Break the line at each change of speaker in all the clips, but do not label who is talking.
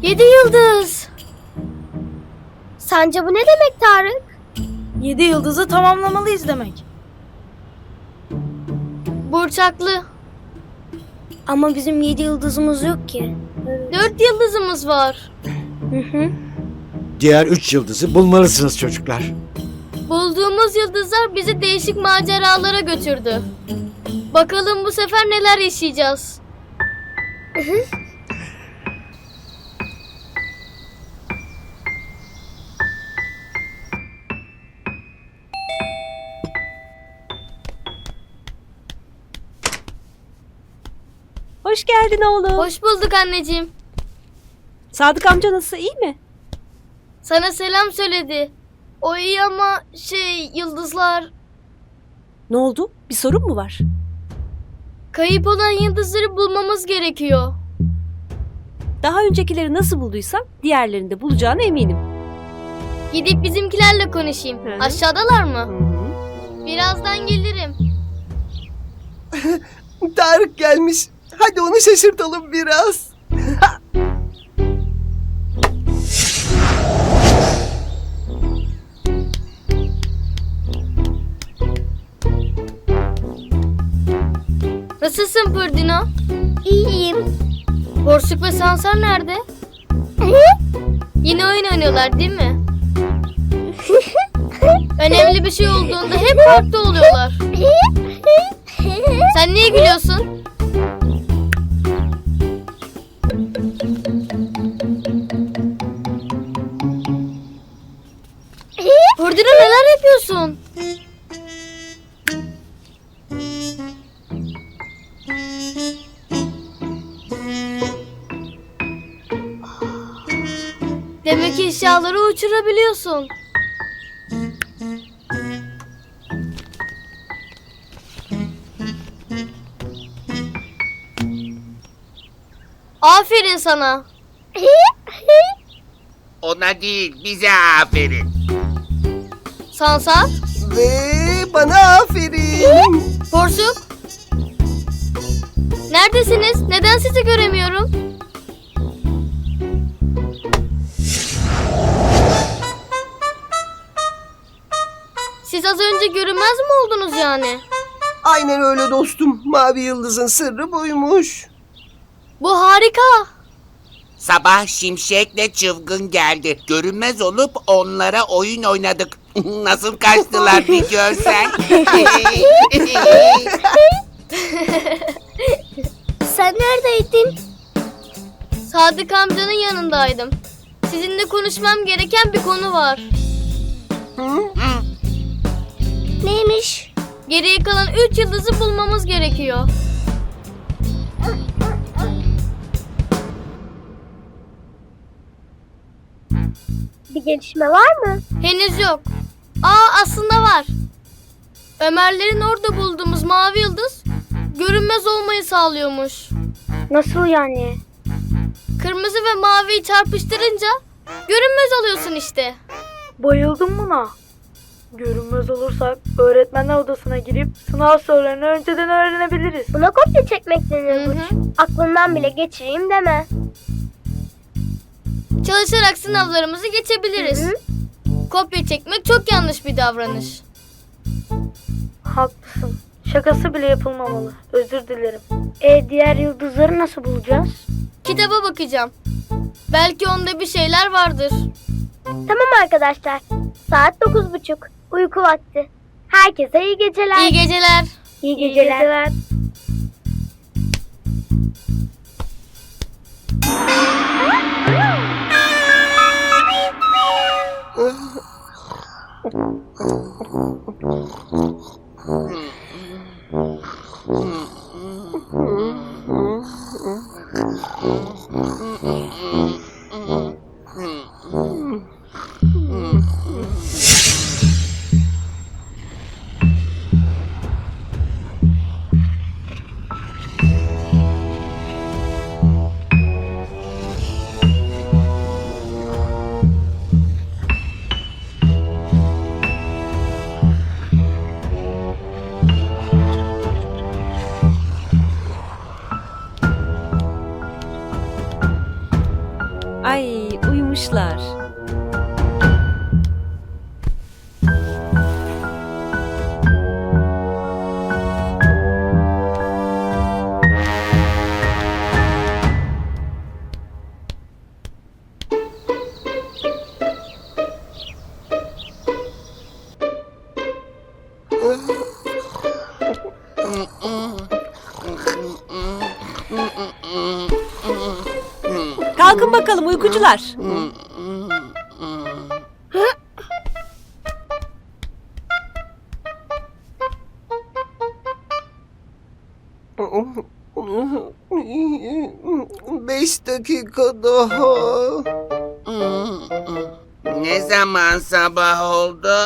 7 yıldız. Sence bu ne demek Tarık?
7 yıldızı tamamlamalıyız demek.
Burçaklı.
Ama bizim 7 yıldızımız yok ki.
4 yıldızımız var.
Diğer 3 yıldızı bulmalısınız çocuklar.
Bulduğumuz yıldızlar bizi değişik maceralara götürdü. Bakalım bu sefer neler yaşayacağız.
Hoş geldin oğlum.
Hoş bulduk anneciğim.
Sadık amca nasıl, iyi mi?
Sana selam söyledi. O iyi ama yıldızlar...
Ne oldu? Bir sorun mu var?
Kayıp olan yıldızları bulmamız gerekiyor.
Daha öncekileri nasıl bulduysan diğerlerini de bulacağına eminim.
Gidip bizimkilerle konuşayım.
Hı hı.
Aşağıdalar mı? Birazdan gelirim.
Tarık gelmiş. Hadi onu şaşırtalım biraz.
Nasılsın Pırdino?
İyiyim.
Borsuk ve Sansar nerede? Yine oyun oynuyorlar değil mi? Önemli bir şey olduğunda hep farklı oluyorlar. Sen niye gülüyorsun? Pırdino neler yapıyorsun? Demek ki eşyaları uçurabiliyorsun. Aferin sana.
Ona değil, bize aferin.
Sansar,
Ve bana aferin.
Porsuk. Neredesiniz? Neden sizi göremiyorum? Siz az önce görünmez mi oldunuz yani?
Aynen öyle dostum. Mavi yıldızın sırrı buymuş.
Bu harika.
Sabah Şimşek'le Çılgın geldi. Görünmez olup onlara oyun oynadık. Nasıl kaçtılar bir görsen.
Sen neredeydin?
Sadık amcanın yanındaydım. Sizinle konuşmam gereken bir konu var.
Neymiş?
Geriye kalan 3 yıldızı bulmamız gerekiyor.
Bir gelişme var mı?
Henüz yok. Aslında var. Ömerlerin orada bulduğumuz mavi yıldız görünmez olmayı sağlıyormuş.
Nasıl yani?
Kırmızı ve maviyi çarpıştırınca görünmez oluyorsun işte.
Bayıldım buna. Görünmez olursak öğretmenler odasına girip sınav sorularını önceden öğrenebiliriz.
Buna kopya çekmek denir
Hı hı.
Burç. Aklından bile geçireyim deme.
Çalışarak sınavlarımızı geçebiliriz.
Hı hı.
Kopya çekmek çok yanlış bir davranış.
Haklısın. Şakası bile yapılmamalı. Özür dilerim.
Diğer yıldızları nasıl bulacağız?
Kitaba bakacağım. Belki onda bir şeyler vardır.
Tamam arkadaşlar. Saat 9:30. Uyku vakti. Herkese iyi geceler.
İyi geceler.
İyi geceler.
Ay uyumuşlar. Kalkın bakalım uykucular.
Beş dakika daha.
Ne zaman sabah oldu?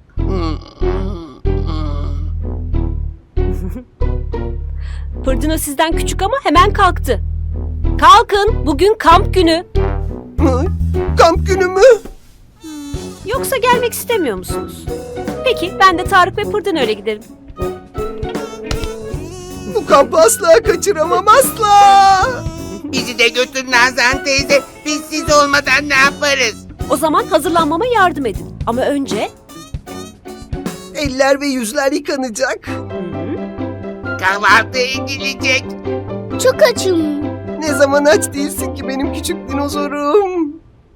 Fırtına sizden küçük ama hemen kalktı. Kalkın, bugün kamp günü.
Hı? Kamp günü mü?
Yoksa gelmek istemiyor musunuz? Peki, ben de Tarık ve Pırdın öyle giderim.
Bu kampı asla kaçıramam, asla.
Bizi de götür Nazan teyze. Biz siz olmadan ne yaparız?
O zaman hazırlanmama yardım edin. Ama önce...
Eller ve yüzler yıkanacak.
Kahvaltı edilecek.
Çok açım.
Ne zaman aç değilsin ki benim küçük dinozorum.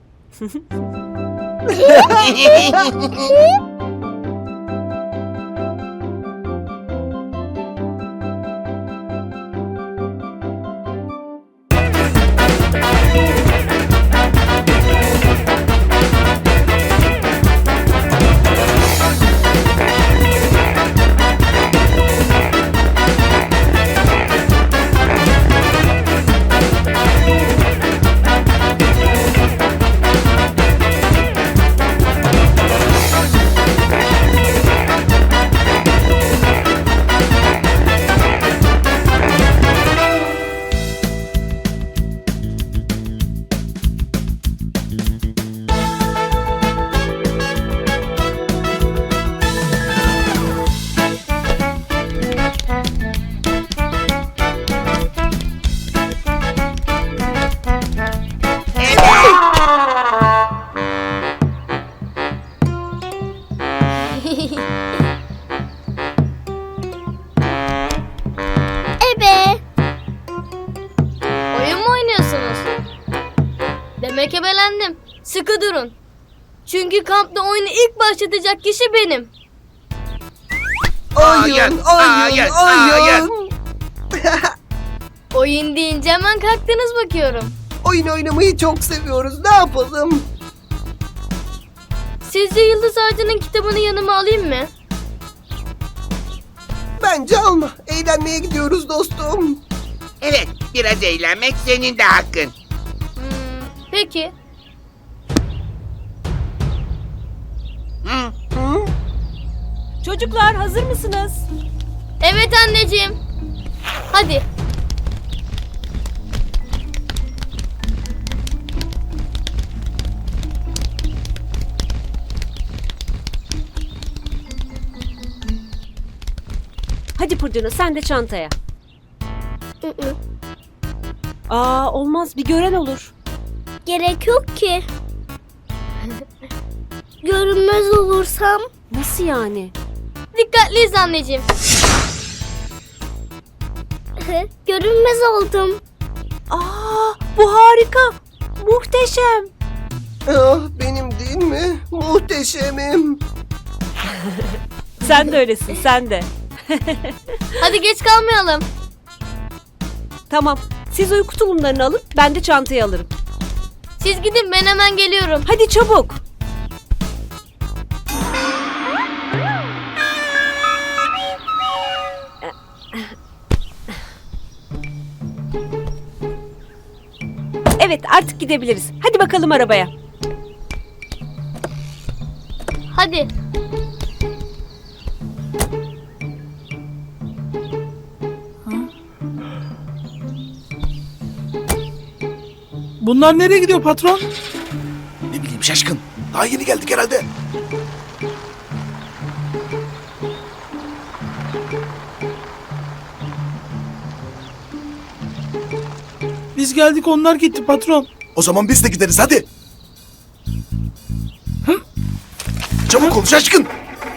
Ebe.
Oyun mu oynuyorsunuz? Demek ebelendim. Sıkı durun. Çünkü kampta oyunu ilk başlatacak kişi benim.
Oyun,
hayır, hayır.
Oyun deyince hemen kalktınız bakıyorum.
Oyun oynamayı çok seviyoruz. Ne yapalım?
Sizce Yıldız Ağacı'nın kitabını yanıma alayım mı?
Bence alma. Eğlenmeye gidiyoruz dostum.
Evet, biraz eğlenmek senin de hakkın.
Peki.
Hı?
Hı?
Çocuklar hazır mısınız?
Evet anneciğim. Hadi.
Hadi Pırdına sen de çantaya. Aa olmaz bir gören olur.
Gerek yok ki. Görünmez olursam.
Nasıl yani?
Dikkatliyiz anneciğim.
Görünmez oldum.
Aa bu harika. Muhteşem.
Ah, benim değil mi? Muhteşemim.
Sen de öylesin sen de.
Hadi geç kalmayalım.
Tamam siz uyku tulumlarını alın ben de çantayı alırım.
Siz gidin ben hemen geliyorum.
Hadi çabuk. Evet artık gidebiliriz. Hadi bakalım arabaya.
Hadi.
Bunlar nereye gidiyor patron?
Ne bileyim şaşkın. Daha yeni geldik herhalde.
Biz geldik onlar gitti patron.
O zaman biz de gideriz hadi. Çabuk ol şaşkın.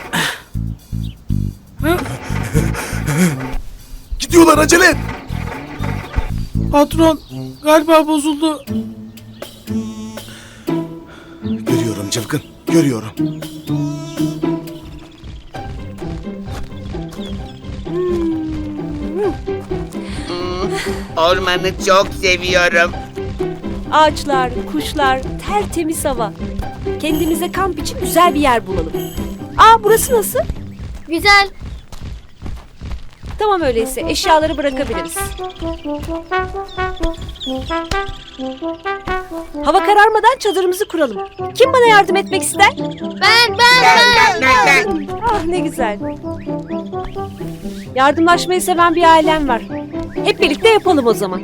Gidiyorlar acele et.
Patron galiba bozuldu.
Görüyorum çılgın, görüyorum.
Ormanı çok seviyorum.
Ağaçlar, kuşlar, tertemiz hava. Kendimize kamp için güzel bir yer bulalım. Aa, burası nasıl?
Güzel.
Tamam, öyleyse eşyaları bırakabiliriz. Hava kararmadan çadırımızı kuralım. Kim bana yardım etmek ister?
Ben.
Ah, ne güzel. Yardımlaşmayı seven bir ailem var. Hep birlikte yapalım o zaman.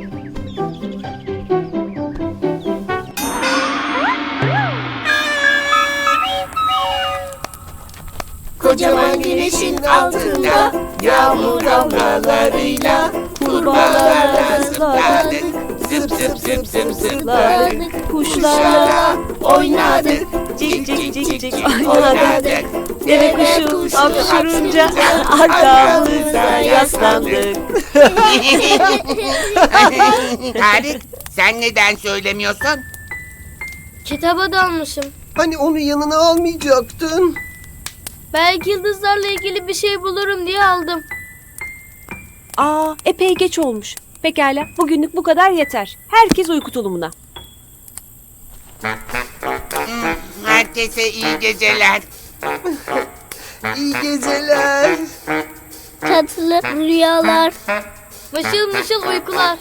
Kocaman güneşin altında yağmur damlalarıyla kurbağalarla zıpladık. Zıp zıp zıp zıp zıpladık.
Kuşlarla
oynadık.
cik cik cik cik
Oynadık.
Deve kuşu hapşurunca arkamıza yaslandık.
Tarık, sen neden söylemiyorsun?
Kitaba dalmışım.
Hani onu yanına almayacaktın?
Belki yıldızlarla ilgili bir şey bulurum diye aldım.
Aa, epey geç olmuş. Pekala, bugünlük bu kadar yeter. Herkes uyku tulumuna.
Herkese iyi geceler.
İyi geceler.
Tatlı rüyalar.
Mışıl mışıl uykular.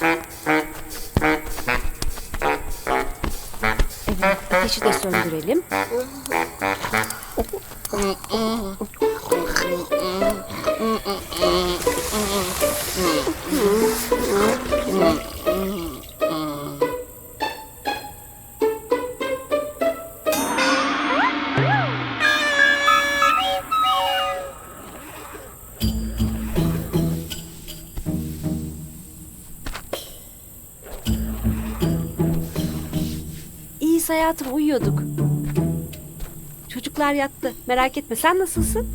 Ateşi de söndürelim. İyiyiz hayatım, uyuyorduk. Çocuklar yattı. Merak etme, sen nasılsın?